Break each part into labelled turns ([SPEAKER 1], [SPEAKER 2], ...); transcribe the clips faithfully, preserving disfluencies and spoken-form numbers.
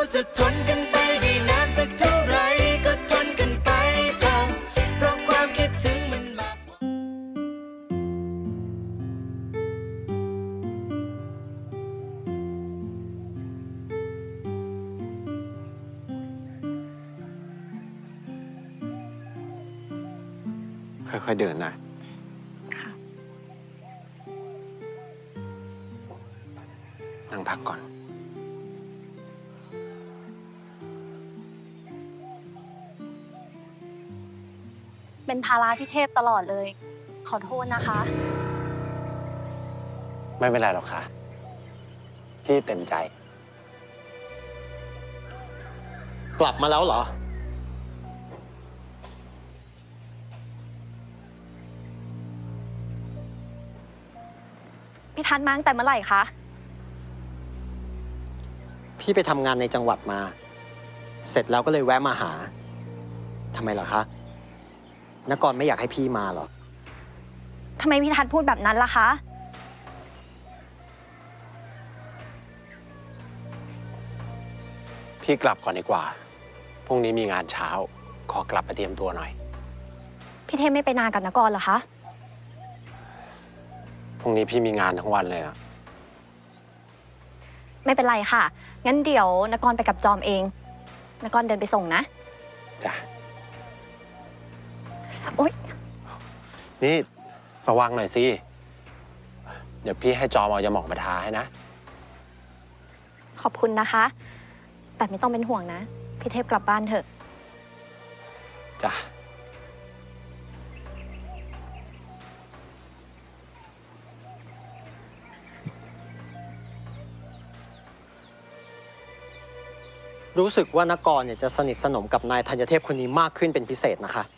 [SPEAKER 1] จะทนกันไปได้นานสักเท่าไรก็ทนกันไปเถอะเพราะความคิดถึงมันมากกว่า
[SPEAKER 2] ค่อยๆเดินนะนั่งพักก่อน
[SPEAKER 3] เป็นภาระพี่เทพตลอดเลย ขอโทษนะคะ
[SPEAKER 2] ไม่เป็นไรหรอกค่ะ พี่เต็มใจ
[SPEAKER 4] กลับมาแล้วเหรอ
[SPEAKER 3] พี่ทัศน์มาตั้งแต่เมื่อไหร่คะ
[SPEAKER 4] พี่ไปทำงานในจังหวัดมา เสร็จแล้วก็เลยแวะมาหาทำไมเหรอคะนกรไม่อยากให้พี่มาเหรอ
[SPEAKER 3] ทำไมพี่ทัศน์พูดแบบนั้นล่ะคะ
[SPEAKER 2] พี่กลับก่อนดีกว่า พรุ่งนี้มีงานเช้า ขอกลับไปเตรียมตัวหน่อย
[SPEAKER 3] พี่เทพไม่ไปนานกับนกรเหรอคะ
[SPEAKER 2] พรุ่งนี้พี่มีงานทั้งวันเลยนะ
[SPEAKER 3] ไม่เป็นไรค่ะ งั้นเดี๋ยวนกรไปกับจอมเอง นกรเดินไปส่งนะ
[SPEAKER 2] จ้ะ
[SPEAKER 3] โอ๊ย
[SPEAKER 2] นี่ระวังหน่อยสิ เดี๋ยวพี่ให้จอมเอายาหมองมาทาให้นะ
[SPEAKER 3] ขอบคุณนะคะ แต่ไม่ต้องเป็นห่วงนะ พี่เทพกลับบ้านเถอะ
[SPEAKER 2] จ้ะ
[SPEAKER 4] รู้สึกว่านกรเนี่ยจะสนิทสนมกับนายธัญเทพคนนี้มากขึ้นเป็นพิเศษนะคะ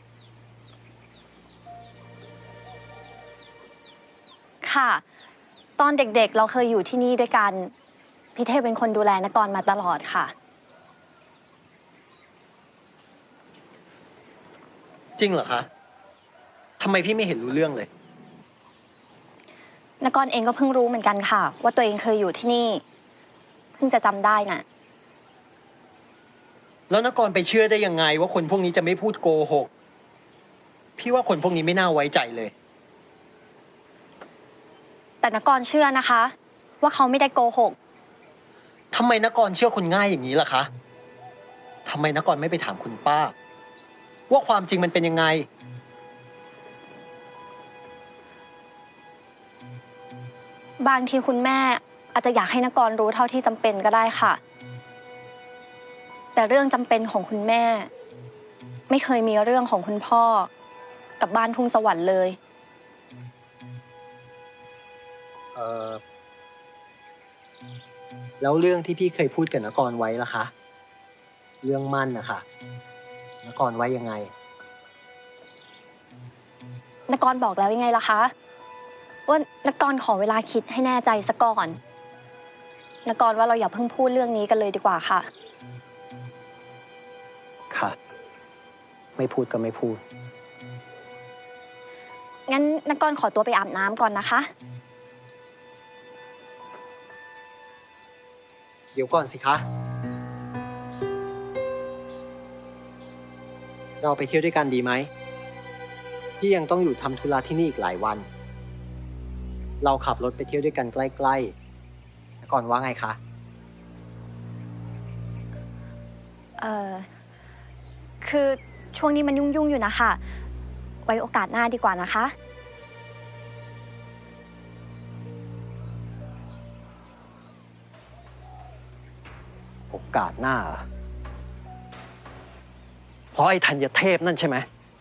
[SPEAKER 3] ค่ะ ตอนเด็กๆ เราเคยอยู่ที่นี่ด้วยกัน พี่เทพเป็นคนดูแลนกรมาตลอดค่ะ
[SPEAKER 4] จริงเหรอคะทำไมพี่ไม่เห็นรู้เรื่องเลย
[SPEAKER 3] นกรเองก็เพิ่งรู้เหมือนกันค่ะ ว่าตัวเองเคยอยู่ที่นี่ เพิ่งจะจำได้น่ะ
[SPEAKER 4] แล้วนกรไปเชื่อได้ยังไงว่าคนพวกนี้จะไม่พูดโกหก พี่ว่าคนพวกนี้ไม่น่าไว้ใจเลย
[SPEAKER 3] แต่นกรเชื่อนะคะ ว่าเขาไม่ได้โกหก
[SPEAKER 4] ทำไมนกรเชื่อคนง่ายอย่างนี้ล่ะคะทำไมนกรไม่ไปถามคุณป้า ว่าความจริงมันเป็นยังไง
[SPEAKER 3] บางทีคุณแม่อาจจะอยากให้นกรรู้เท่าที่จำเป็นก็ได้ค่ะ แต่เรื่องจำเป็นของคุณแม่ ไม่เคยมีเรื่องของคุณพ่อ กับบ้านทุ่งสวรรค์เลย
[SPEAKER 4] เออแล้วเรื่องที่พี่เคยพูดกับนกรไว้ล่ะคะ เรื่องมั่นนะคะนกรไว้ยังไง
[SPEAKER 3] นกรบอกแล้วยังไงล่ะคะ ว่านกรขอเวลาคิดให้แน่ใจซะก่อน นกรว่าเราอย่าเพิ่งพูดเรื่องนี้กันเลยดีกว่าค่ะ
[SPEAKER 4] ค่ะ ไม่พูดก็ไม่พูด
[SPEAKER 3] งั้นนกรขอตัวไปอาบน้ำก่อนนะคะ
[SPEAKER 4] เดี๋ยวก่อนสิคะ เราไปเที่ยวด้วยกันดีไหม พี่ยังต้องอยู่ทำธุระที่นี่อีกหลายวัน เราขับรถไปเที่ยวด้วยกันใกล้ๆแล้วก่อนว่าไงคะ
[SPEAKER 3] เอ่อ คือช่วงนี้มันยุ่งๆอยู่นะคะ ไว้โอกาสหน้าดีกว่านะคะ
[SPEAKER 4] โอกาสหน้าเหรอเพราะไอ้ธัญเทพนั่นใช่ไหม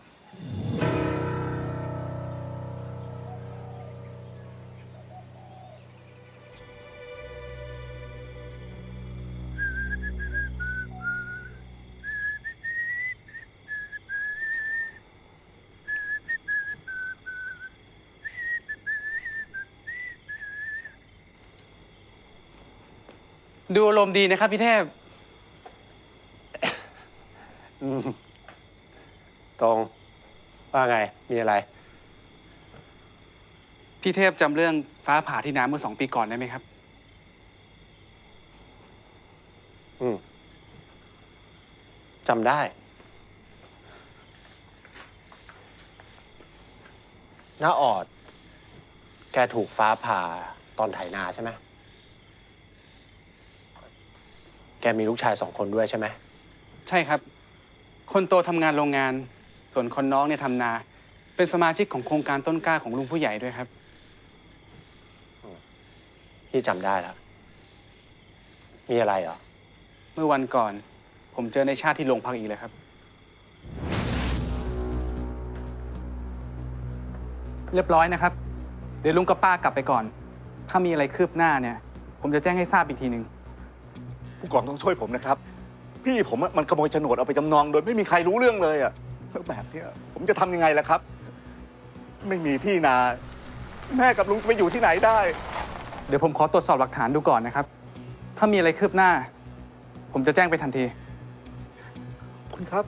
[SPEAKER 5] ดูอารมณ์ดีนะครับพี่เทพ
[SPEAKER 2] อืมตรง ว่าไง มีอะไร
[SPEAKER 5] พี่เทพจำเรื่องฟ้าผ่าที่น้ำเมื่อสองปีก่อนได้ไหมครับ
[SPEAKER 2] อืมจำได้น้าออด แกถูกฟ้าผ่าตอนไถนาใช่ไหมแกมีลูกชายสองคนด้วยใช่ไหม
[SPEAKER 5] ใช่ครับ คนโตทำงานโรงงาน ส่วนคนน้องเนี่ยทำนา เป็นสมาชิกของโครงการต้นกล้าของลุงผู้ใหญ่ด้วยครับ
[SPEAKER 2] พี่จำได้แล้ว มีอะไรเหรอ
[SPEAKER 5] เมื่อวันก่อน ผมเจอในชาติที่โรงพักอีกเลยครับ เรียบร้อยนะครับ เดี๋ยวลุงกับป้ากลับไปก่อน ถ้ามีอะไรคืบหน้าเนี่ย ผมจะแจ้งให้ทราบอีกทีหนึ่ง
[SPEAKER 6] ผู้กองต้องช่วยผมนะครับ พี่ผมอะมันขโมยโฉนดเอาไปจำนองโดยไม่มีใครรู้เรื่องเลยอ่ะแล้วแบบเนี้ยผมจะทำยังไงล่ะครับ ไม่มีที่นา แม่กับลุงจะไปอยู่ที่ไหนได้
[SPEAKER 5] เดี๋ยวผมขอตรวจสอบหลักฐานดูก่อนนะครับ ถ้ามีอะไรคืบหน้า ผมจะแจ้งไปทันที
[SPEAKER 6] คุณครับ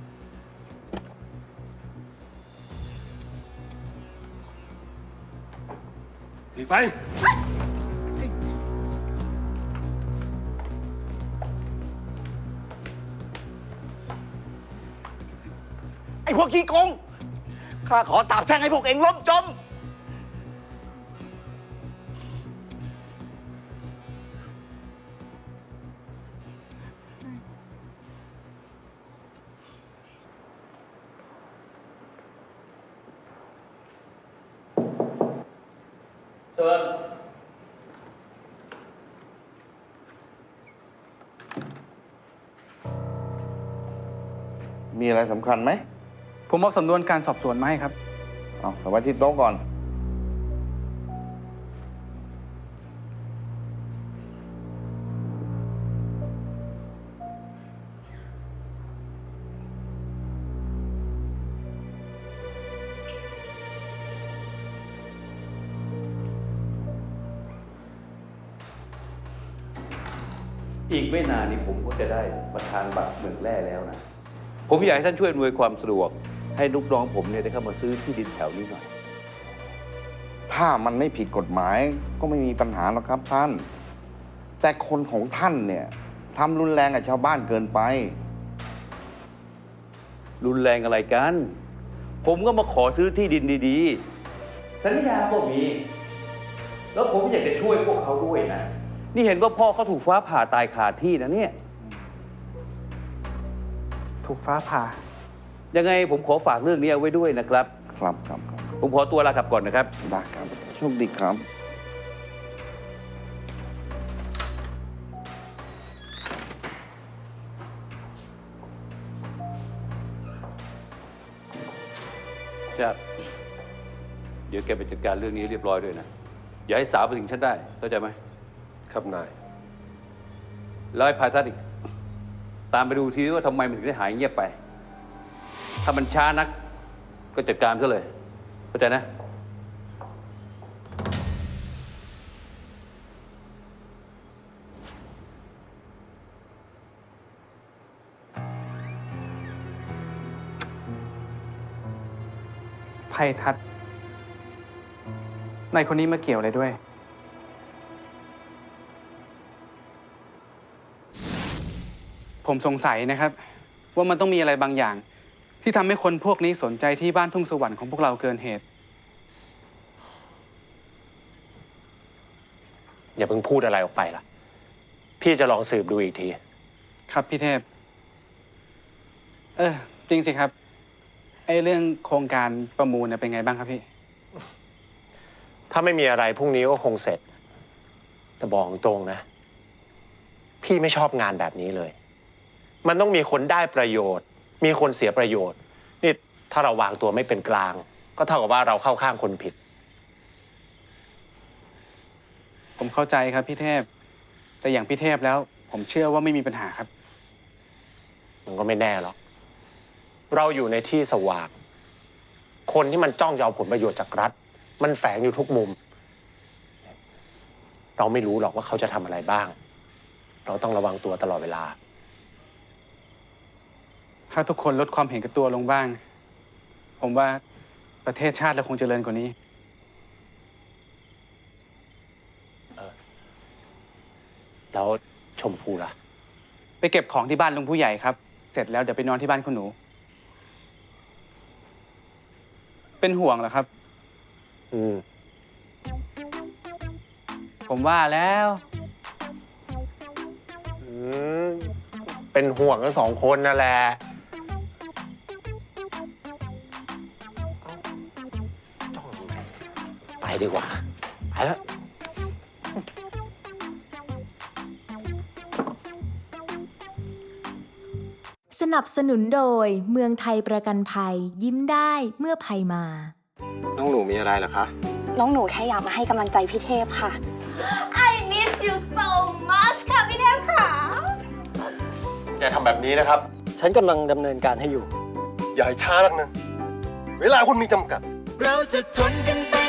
[SPEAKER 7] หนีไป
[SPEAKER 6] ไอ้พวกขี้โกงข้าขอสาบแช่งให้พวกเองล้มจม
[SPEAKER 8] มีอะไรสำคัญไหม
[SPEAKER 5] ผมเอาสำนวนการสอบสวนมาให้ครับ
[SPEAKER 8] เอาเอาไว้ที่โต๊ะก่อน
[SPEAKER 7] อีกไม่นานนี้ผมก็จะได้ประธานบัตรเมืองแร่แล้วนะ ผมอยากให้ท่านช่วยอำนวยความสะดวก ให้ลูกน้องผมเนี่ยได้เข้ามาซื้อที่ดินแถวนี้หน่อย
[SPEAKER 8] ถ้ามันไม่ผิดกฎหมายก็ไม่มีปัญหาหรอกครับท่าน แต่คนของท่านเนี่ยทำรุนแรงกับชาวบ้านเกินไป
[SPEAKER 7] รุนแรงอะไรกัน ผมก็มาขอซื้อที่ดินดีๆ สัญญาก็มี แล้วผมอยากจะช่วยพวกเขาด้วยนะ นี่เห็นว่าพ่อเขาถูกฟ้าผ่าตายคาที่นะเนี่ย
[SPEAKER 5] ถูกฟ้าผ่า
[SPEAKER 7] ยังไงผมขอฝากเรื่องนี้เอาไว้ด้วยนะครับ
[SPEAKER 8] ครับครับครับ
[SPEAKER 7] ผมขอตัวลากลับก่อนนะครับ
[SPEAKER 8] ได้ครับโชคดีครับ
[SPEAKER 7] ชาติเดี๋ยวแกไปจัดการเรื่องนี้เรียบร้อยด้วยนะ อย่าให้สาวไปถึงฉันได้ เข้าใจไหม
[SPEAKER 2] ครับนาย
[SPEAKER 7] แล้วไอ้พาทัศน์อีก ตามไปดูทีว่าทำไมมันถึงได้หายเงียบไป ถ้ามันช้านัก ก็จัดการซะเลย เข้าใจนะ
[SPEAKER 5] ไพทัศน์นายคนนี้มาเกี่ยวอะไรด้วย ผมสงสัยนะครับ ว่ามันต้องมีอะไรบางอย่าง ที่ทำให้คนพวกนี้สนใจที่บ้านทุ่งสวรรค์ของพวกเราเกินเหตุ
[SPEAKER 2] อย่าเพิ่งพูดอะไรออกไปล่ะ พี่จะลองสืบดูอีกที
[SPEAKER 5] ครับพี่เทพ เออ จริงสิครับ ไอ้เรื่องโครงการประมูลเนี่ยเป็นไงบ้างครับพี่
[SPEAKER 2] ถ้าไม่มีอะไรพรุ่งนี้ก็คงเสร็จ แต่บอกตรงนะ พี่ไม่ชอบงานแบบนี้เลย มันต้องมีคนได้ประโยชน์ มีคนเสียประโยชน์ นี่ถ้าเราวางตัวไม่เป็นกลาง ก็เท่ากับว่าเราเข้าข้างคนผิด
[SPEAKER 5] ผมเข้าใจครับพี่เทพ แต่อย่างพี่เทพแล้ว ผมเชื่อว่าไม่มีปัญหาครับ
[SPEAKER 2] มันก็ไม่แน่หรอก เราอยู่ในที่สว่าง คนที่มันจ้องจะเอาผลประโยชน์จากรัฐ มันแฝงอยู่ทุกมุม เราไม่รู้หรอกว่าเขาจะทำอะไรบ้าง เราต้องระวังตัวตลอดเวลา
[SPEAKER 5] ถ้าทุกคนลดความเห็นแกับตัวลงบ้าง ผมว่าประเทศชาติเราคงเจริญกว่านี้
[SPEAKER 2] แล้วชมพูล่ะ
[SPEAKER 5] ไปเก็บของที่บ้านลุงผู้ใหญ่ครับเสร็จแล้วเดี๋ยวไปนอนที่บ้านคุณหนู เป็นห่วงเหรอครับ
[SPEAKER 2] อืม
[SPEAKER 5] ผมว่าแล้ว
[SPEAKER 2] อืม เป็นห่วงกันสองคนนั่นแหละเอ้าจ้องทำไมไปดีกว่า ไปแล้ว
[SPEAKER 9] สนับสนุนโดยเมืองไทยประกันภัยยิ้มได้เมื่อภัยมา
[SPEAKER 2] น้องหนูมีอะไรเหรอคะ
[SPEAKER 3] น้องหนูแค่อยากมาให้กำลังใจพี่เทพค่ะ
[SPEAKER 10] I miss you so much ค่ะพี่เทพค่ะ
[SPEAKER 2] อย่าทำแบบนี้นะครับ
[SPEAKER 4] ฉันกำลังดำเนินการให้อยู่
[SPEAKER 2] อย่าให้ช้านักนะ เวลาคุณมีจำกัด
[SPEAKER 1] เราจะทนกันไป